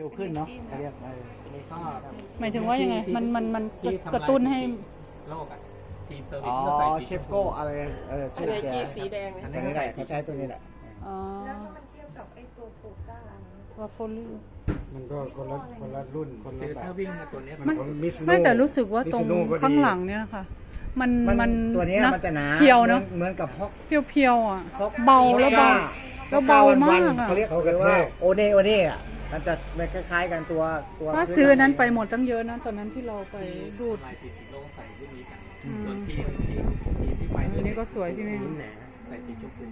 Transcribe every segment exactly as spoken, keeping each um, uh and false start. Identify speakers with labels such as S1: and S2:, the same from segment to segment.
S1: ขึ้นเนาะเขาเรียกเออ
S2: นี่ก็
S3: หมายถึงว่ายังไงมันมันมันกระตุ้นให้
S2: โลกอะทีมเซอร์วิ
S1: อ๋
S2: ส
S1: อ
S2: ก็ใส่
S1: เชฟโก้อะไรเออ
S4: อั
S1: ชื่
S4: น
S1: อ
S4: ไหน
S1: แก
S4: กีสีแดง
S1: อั
S4: เนี่ย
S1: นนี้แหละเขาใช้ตัวนี้แหละ
S3: อ๋อ
S5: แล้วก็มันเทียบกับไอ้ตัวโปรต้าอะไรนะ
S3: วาฟล
S6: มันก็คนละคนละรุ่นคน
S2: คื
S6: ละ
S2: อ
S6: แบ
S2: ถ้า
S6: บ
S2: วิ่งตัวเนี้ย
S6: มันของมิส
S3: ไม่แต่รู้สึกว่าตรง
S6: มิซูโน่ก็ดี
S3: ข้างหลังเนี่ยค่ะ มัน
S1: มัน
S3: มัน
S1: ตัวเนี้ย
S3: นะ
S1: มันจะหนา
S3: เพียวเนาะ
S1: เหมือนกับพก
S3: เพียวเพียวๆอ่ะ
S1: พก
S3: เบาแล้วเบา แล้วเบามากอะ
S1: เขาเรียกเขาเรียกว่าโอเน่โอเน่อะมันจะคล้ายๆกันตัวตัว
S3: ถ้าซื้อนั้นไปหมดตั้งเยอะนะตอนนั้นที่เราไปรูด
S2: ลายสีสีโลกใส่รุ่นนี้กัน
S3: อืม
S2: ส่วนทีมทีมทีมที่ไป
S3: อันนี้ก็สวยพี่แม่
S2: รุ่นแหนใส่สีชมพู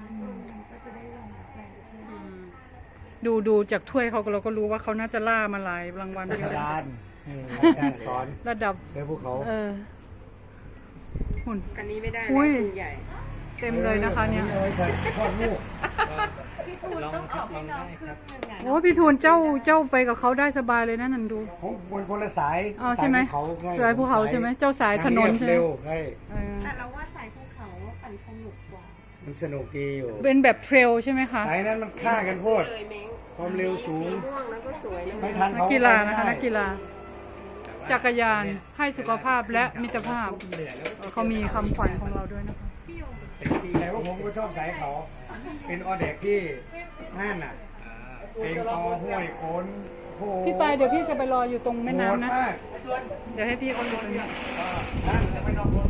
S3: ดูดูจากถ้วยเขาเราก็รู้ว่าเขาน่าจะล่ามาหลายรางวัล
S1: ก
S3: เย
S1: ระ
S3: อะ
S1: ดาน
S6: การสอน
S3: ระดับ
S6: เสือภูเขา
S3: เออหุ่น
S4: อันนี้ไม่ได้
S3: อุ้
S4: นะ
S3: ย
S4: คุณใหญ่
S3: เต็มเลยนะคะเนี่ย
S6: เอาไว้ทอดลูก
S5: พี่ทูนต้องออกให้น้องครึ่งหนึงอ่ะ
S3: โอ้พี่ทูนเจ้าเจ้าไปกับเขาได้สบายเลยนะนันดู
S6: ผมคนคนละสาย
S3: อ๋อใช่ไหม
S6: สายภูเขาไง
S3: สายภูเขาใช่ไหมเจ้าสายถนนใช่ไหม
S6: เร็วใช่
S3: เออ
S5: แต่เราว่าสายภูเขาปั่นสนุกกว่า
S6: มันสนุกดีอยู่
S3: เป็นแบบเทรลใช่ไหมคะ
S6: สายนั้นมันฆ่ากันโพด
S4: เลยเม้ง
S6: ความเร็วสูง
S4: สีม่วงแล้วก็สวยนะ
S6: ไม่ทัน
S3: นัก
S6: เขา
S3: กีฬานะคะ
S6: ไม่ได้
S3: นักกีฬา จักรยานให้สุขภาพและมิตรภาพ
S2: เหนื่อยแล้ว
S3: เออเขามีคำขวัญของเราด้วยนะคะ
S6: แต่ว่าผมก็ชอบสายเขา เป็นออเด็กที่นั่นน่ะเป็นอห้วยโอนโห
S3: พี่ปายเดี๋ยวพี่จะไปรออยู่ตรงแม่น้ำนะ
S6: โหดมาก
S3: เดี๋ยวให้พี่เขาอยู่ตรงนี้
S6: นั่นจะไปนอน